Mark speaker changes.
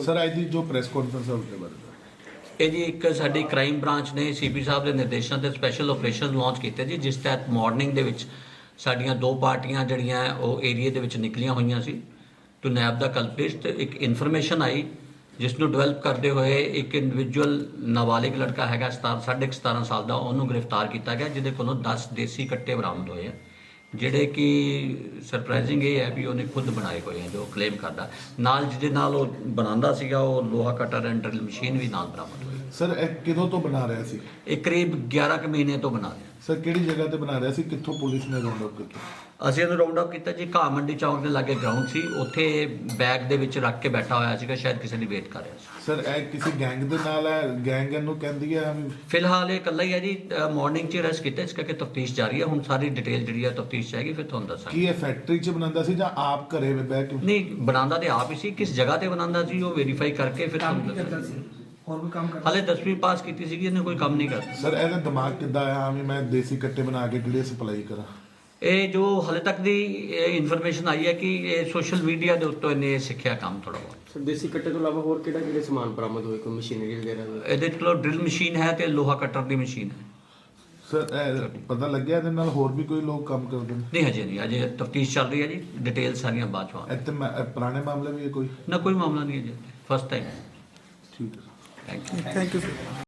Speaker 1: Sir ਅੱਜ ਦੀ ਜੋ press conference ਹੈ ਉਸਦੇ ਬਾਰੇ
Speaker 2: ਇਹ ਜੀ ਇੱਕ ਸਾਡੀ ਕ੍ਰਾਈਮ ਬ੍ਰਾਂਚ ਨੇ ਸੀਪੀ ਸਾਹਿਬ ਦੇ ਨਿਰਦੇਸ਼ਾਂ ਤੇ ਸਪੈਸ਼ਲ ਆਪਰੇਸ਼ਨ ਲਾਂਚ ਕੀਤੇ ਜੀ, ਜਿਸ ਤਹਿਤ ਮਾਰਨਿੰਗ ਦੇ ਵਿੱਚ ਸਾਡੀਆਂ ਦੋ ਪਾਰਟੀਆਂ ਜਿਹੜੀਆਂ ਉਹ ਏਰੀਆ ਦੇ ਵਿੱਚ ਨਿਕਲੀਆਂ ਹੋਈਆਂ ਸੀ ਟੂ ਨੈਬ ਦਾ ਕਲਪ੍ਰਿਟ। ਤੇ ਇੱਕ ਇਨਫੋਰਮੇਸ਼ਨ ਆਈ ਜਿਸ ਨੂੰ ਡਿਵੈਲਪ ਕਰਦੇ ਹੋਏ ਇੱਕ ਇੰਡੀਵਿਜੂਅਲ ਨਾਬਾਲਿਗ ਲੜਕਾ ਹੈਗਾ 17.5 ਸਾਲ ਦਾ, ਉਹਨੂੰ ਗ੍ਰਿਫਤਾਰ ਕੀਤਾ ਗਿਆ, ਜਿਹਦੇ ਕੋਲੋਂ 10 ਦੇਸੀ ਕੱਟੇ ਬਰਾਮਦ ਹੋਏ ਆ, ਜਿਹੜੇ ਕਿ ਸਰਪ੍ਰਾਈਜ਼ਿੰਗ ਇਹ ਹੈ ਵੀ ਉਹਨੇ ਖੁਦ ਬਣਾਏ ਹੋਏ ਆ ਜੋ ਕਲੇਮ ਕਰਦਾ। ਨਾਲ ਜਿਹਦੇ ਨਾਲ ਉਹ ਬਣਾਉਂਦਾ ਸੀਗਾ ਉਹ ਲੋਹਾ ਕਟਰ ਐਂਡ ਡਰਿਲ ਮਸ਼ੀਨ ਵੀ ਨਾਲ ਬਰਾਮਦ ਹੋਈ।
Speaker 1: ਸਰ ਇਹ ਕਿਦੋਂ ਤੋਂ ਬਣਾ ਰਿਹਾ ਸੀ?
Speaker 2: ਇਹ ਕਰੀਬ 11 ਕੁ ਮਹੀਨੇ ਤੋਂ ਬਣਾ ਰਿਹਾ।
Speaker 1: ਸਰ ਕਿਹੜੀ ਜਗ੍ਹਾ ਤੇ ਬਣਾ ਰਿਹਾ ਸੀ? ਕਿੱਥੋਂ ਪੁਲਿਸ ਨੇ ਰਾਉਂਡ ਅਪ ਕੀਤਾ?
Speaker 2: ਅਸੀਂ ਇਹਨੂੰ ਰਾਉਂਡ ਅਪ ਕੀਤਾ ਜੀ, ਘਾਹ ਮੰਡੀ ਚੌਂਕ ਦੇ ਲਾਗੇ ਗਰਾਊਂਡ ਸੀ, ਉੱਥੇ ਬੈਗ ਦੇ ਵਿੱਚ ਰੱਖ ਕੇ ਬੈਠਾ ਹੋਇਆ ਸੀਗਾ, ਸ਼ਾਇਦ ਕਿਸੇ ਦੀ ਵੇਟ ਕਰ ਰਿਹਾ ਸੀ।
Speaker 1: ਸਰ ਇਹ ਕਿਸੇ ਗੈਂਗ ਦੇ ਨਾਲ ਹੈ? ਗੈਂਗ ਇਹਨੂੰ ਕਹਿੰਦੀ ਹੈ?
Speaker 2: ਫਿਲਹਾਲ ਇਹ ਇਕੱਲਾ ਹੀ ਹੈ ਜੀ, ਮਾਰਨਿੰਗ 'ਚ ਅਰੈਸਟ ਕੀਤਾ, ਇਸ ਕਰਕੇ ਤਫਤੀਸ਼ ਜਾਰੀ ਹੈ। ਹੁਣ ਸਾਰੀ ਡਿਟੇਲ ਜਿਹੜੀ ਹੈ ਤਫਤੀਸ਼ 'ਚ ਆਏਗੀ, ਫਿਰ ਤੁਹਾਨੂੰ ਦੱਸਾਂਗੇ।
Speaker 1: ਕੀ ਇਹ ਫੈਕਟਰੀ 'ਚ ਬਣਾਉਂਦਾ ਸੀ ਜਾਂ ਆਪ ਘਰੇ ਬਹਿ ਕੇ?
Speaker 2: ਨਹੀਂ, ਬਣਾਉਂਦਾ ਤੇ ਆਪ ਹੀ ਸੀ, ਕਿਸ ਜਗ੍ਹਾ ਤੇ ਬਣਾਉਂਦਾ ਸੀ ਉਹ ਵੈਰੀਫਾਈ ਕਰਕੇ ਫਿਰ ਤੁਹਾਨੂੰ ਦੱਸਾਂਗੇ।
Speaker 3: ਹੋਰ ਵੀ ਕੰਮ ਕਰਦਾ?
Speaker 2: ਹਾਲੇ 10ਵੀਂ ਪਾਸ ਕੀਤੀ ਸੀਗੀ, ਇਹਨੇ ਕੋਈ ਕੰਮ ਨਹੀਂ ਕਰਦਾ।
Speaker 1: ਸਰ ਇਹਦਾ ਦਿਮਾਗ ਕਿੱਦਾਂ ਆਇਆ ਵੀ ਮੈਂ ਦੇਸੀ ਕੱਟੇ ਬਣਾ ਕੇ ਕਿਹੜੇ ਸਪਲਾਈ ਕਰਾਂ?
Speaker 2: ਇਹ ਜੋ ਹਾਲੇ ਤੱਕ ਦੀ ਇਨਫੋਰਮੇਸ਼ਨ ਆਈ ਹੈ ਕਿ ਇਹ ਸੋਸ਼ਲ ਮੀਡੀਆ ਦੇ ਉੱਤੋਂ ਇਹਨੇ ਸਿੱਖਿਆ ਕੰਮ ਥੋੜਾ ਬਹੁਤ।
Speaker 4: ਸਰ ਦੇਸੀ ਕੱਟੇ ਤੋਂ ਇਲਾਵਾ ਹੋਰ ਕਿਹੜੇ ਸਮਾਨ ਬਰਾਮਦ ਹੋਏ, ਕੋਈ ਮਸ਼ੀਨਰੀ ਵਗੈਰਾ?
Speaker 2: ਇਹਦੇ ਕੋਲ ਡਰਿਲ ਮਸ਼ੀਨ ਹੈ ਤੇ ਲੋਹਾ ਕਟਰ ਦੀ ਮਸ਼ੀਨ ਹੈ।
Speaker 1: ਸਰ ਇਹ ਪਤਾ ਲੱਗਿਆ ਇਹਦੇ ਨਾਲ ਹੋਰ ਵੀ ਕੋਈ ਲੋਕ ਕੰਮ ਕਰਦੇ ਨੇ?
Speaker 2: ਨਹੀਂ, ਹਜੇ ਨਹੀਂ, ਅਜੇ ਤਫਤੀਸ਼ ਚੱਲ ਰਹੀ ਹੈ ਜੀ, ਡਿਟੇਲ ਸਾਰੀਆਂ ਬਾਅਦ ਚ ਆਉਣਗੀਆਂ।
Speaker 1: ਇੱਥੇ ਪੁਰਾਣੇ ਮਾਮਲੇ ਵੀ ਹੈ ਕੋਈ?
Speaker 2: ਨਾ, ਕੋਈ ਮਾਮਲਾ ਨਹੀਂ ਹੈ ਜੀ, ਫਸਟ ਟਾਈਮ।
Speaker 1: ਠੀਕ ਹੈ।
Speaker 2: Thank you.
Speaker 3: Thank you sir.